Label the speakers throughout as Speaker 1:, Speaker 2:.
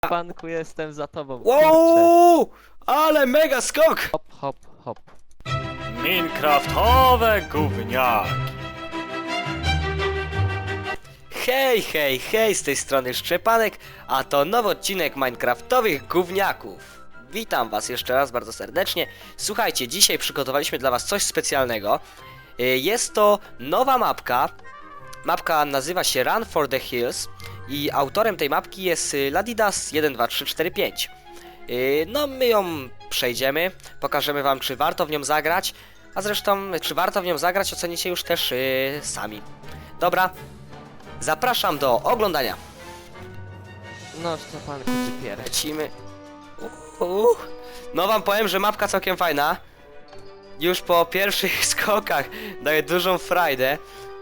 Speaker 1: Panku, jestem za tobą. Kurczę.
Speaker 2: Wow! Ale mega skok!
Speaker 1: Hop, hop, hop.
Speaker 3: Minecraftowe gówniaki.
Speaker 2: Hej, hej, hej, z tej strony Szczepanek, a to nowy odcinek Minecraftowych gówniaków. Witam was jeszcze raz bardzo serdecznie. Słuchajcie, dzisiaj przygotowaliśmy dla was coś specjalnego. Jest to nowa mapka. Mapka nazywa się Run for the Hills i autorem tej mapki jest Ladidas12345. No my ją przejdziemy, pokażemy wam, czy warto w nią zagrać, a zresztą czy warto w nią zagrać ocenicie już też sami. Dobra, zapraszam do oglądania.
Speaker 1: No, Szczepanku, ty pierę.
Speaker 2: Lecimy. No wam powiem, że mapka całkiem fajna. Już po pierwszych skokach daje dużą frajdę.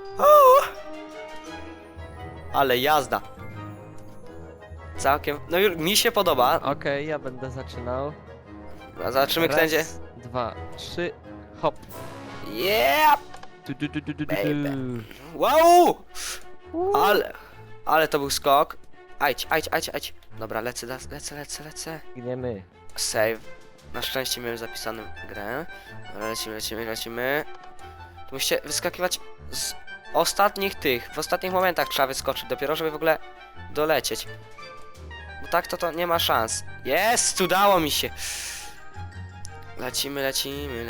Speaker 2: Ale jazda. Całkiem, no już mi się podoba.
Speaker 1: Okej, ja będę zaczynał.
Speaker 2: A zobaczymy, kto będzie.
Speaker 1: Raz, dwa, trzy, hop.
Speaker 2: Yeah!
Speaker 1: Du.
Speaker 2: Baby. Wow! Ale to był skok. Ajdź. Dobra, lecę.
Speaker 1: Gniemy.
Speaker 2: Save. Na szczęście miałem zapisaną grę. Dobra, lecimy. Tu musicie wyskakiwać z ostatnich tych. W ostatnich momentach trzeba wyskoczyć dopiero, żeby w ogóle dolecieć. Bo tak to nie ma szans. Jest! Udało mi się! Lecimy.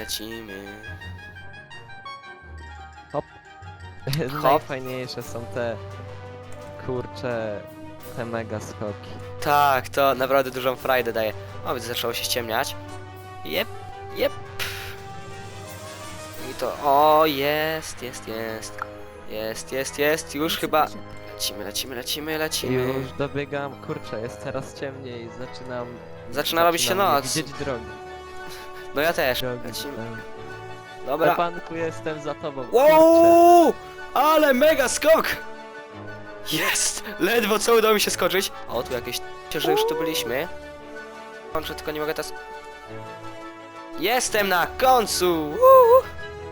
Speaker 1: Najfajniejsze są te... Kurcze... Te mega skoki.
Speaker 2: Tak, to naprawdę dużą frajdę daje. O, widzę, zaczęło się ściemniać. Jep. I to... O, jest. Już chyba... Lecimy.
Speaker 1: Już dobiegam, kurczę, jest coraz ciemniej,
Speaker 2: Zaczyna robić się noc.
Speaker 1: widzieć drogi.
Speaker 2: No ja też.
Speaker 1: Drogi.
Speaker 2: Lecimy.
Speaker 1: Dobra.
Speaker 2: Dobra.
Speaker 1: Panku, jestem za tobą. Kurczę.
Speaker 2: Wow! Ale mega skok! Jest! Ledwo co udało mi się skoczyć. O, tu jakieś... że już tu byliśmy. Kończę, tylko nie mogę teraz... Jestem na końcu! Woo!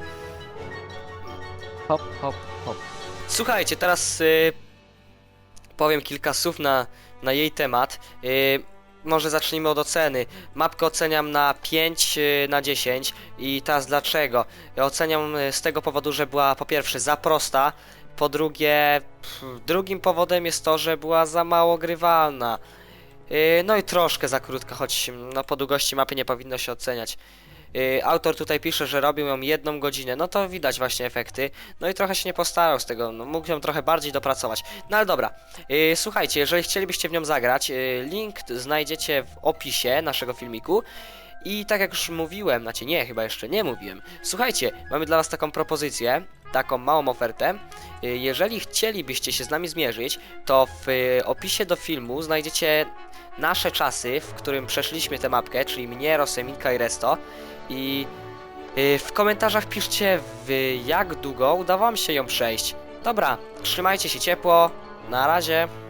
Speaker 1: Hop.
Speaker 2: Słuchajcie, teraz powiem kilka słów na jej temat. Może zacznijmy od oceny. Mapkę oceniam na 5 na 10 i teraz dlaczego? Ja oceniam z tego powodu, że była po pierwsze za prosta, po drugie drugim powodem jest to, że była za mało grywalna. No i troszkę za krótka, choć no, po długości mapy nie powinno się oceniać. Autor tutaj pisze, że robił ją 1 godzinę, no to widać właśnie efekty. No i trochę się nie postarał z tego, no, mógł ją trochę bardziej dopracować. No ale dobra, słuchajcie, jeżeli chcielibyście w nią zagrać, link znajdziecie w opisie naszego filmiku. I tak jak już mówiłem, znaczy nie, chyba jeszcze nie mówiłem. Słuchajcie, mamy dla was taką propozycję, taką małą ofertę. Jeżeli chcielibyście się z nami zmierzyć, to w opisie do filmu znajdziecie nasze czasy, w którym przeszliśmy tę mapkę, czyli mnie, Roseminka i Resto. I w komentarzach piszcie, jak długo udało wam się ją przejść. Dobra, trzymajcie się ciepło, na razie.